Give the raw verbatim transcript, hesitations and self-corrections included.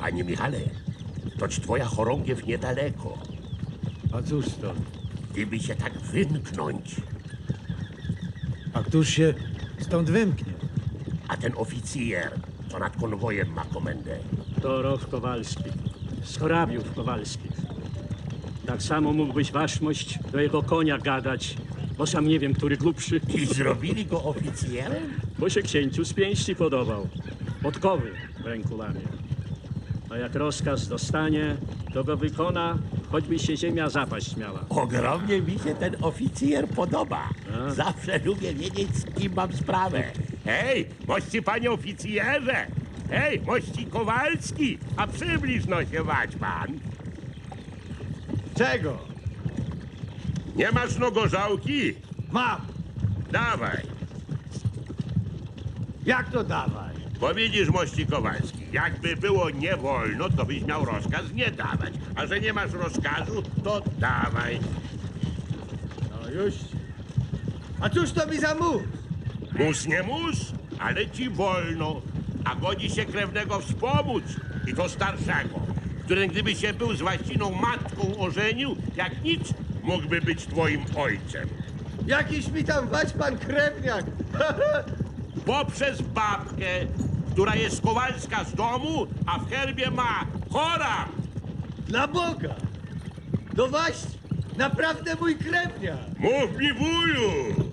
Panie Michale, toć twoja chorągiew niedaleko. A cóż stąd? Gdyby się tak wymknąć, A któż się stąd wymknie? a ten oficjer, co nad konwojem ma komendę. To Roch Kowalski, z hrabiów Kowalskich. Tak samo mógłbyś waszmość do jego konia gadać, bo sam nie wiem, który głupszy, I zrobili go oficjerem? bo się księciu z pięści podobał. Podkowy w ręku lamie. A jak rozkaz dostanie, to go wykona, choćby się ziemia zapaść miała. Ogromnie mi się ten oficjer podoba. A? Zawsze lubię wiedzieć, z kim mam sprawę. Hej, mości panie oficjerze! Hej, mości Kowalski! A przybliż no się wać pan. Czego? Nie masz no gorzałki? Mam! Dawaj. Jak to dawaj? Bo widzisz, mości Kowalski, jakby było nie wolno, to byś miał rozkaz nie dawać. A że nie masz rozkazu, to dawaj. No już. A cóż to mi za mus? Mus nie mus, ale ci wolno. A godzi się krewnego wspomóc, i to starszego, który gdyby się był z właściną matką ożenił, jak nic, mógłby być twoim ojcem. Jakiś mi tam wać pan krewniak! Poprzez babkę, która jest Kowalska z domu, a w herbie ma chora. Dla Boga! No właśnie! Naprawdę mój krewniak! Mów mi, wuju!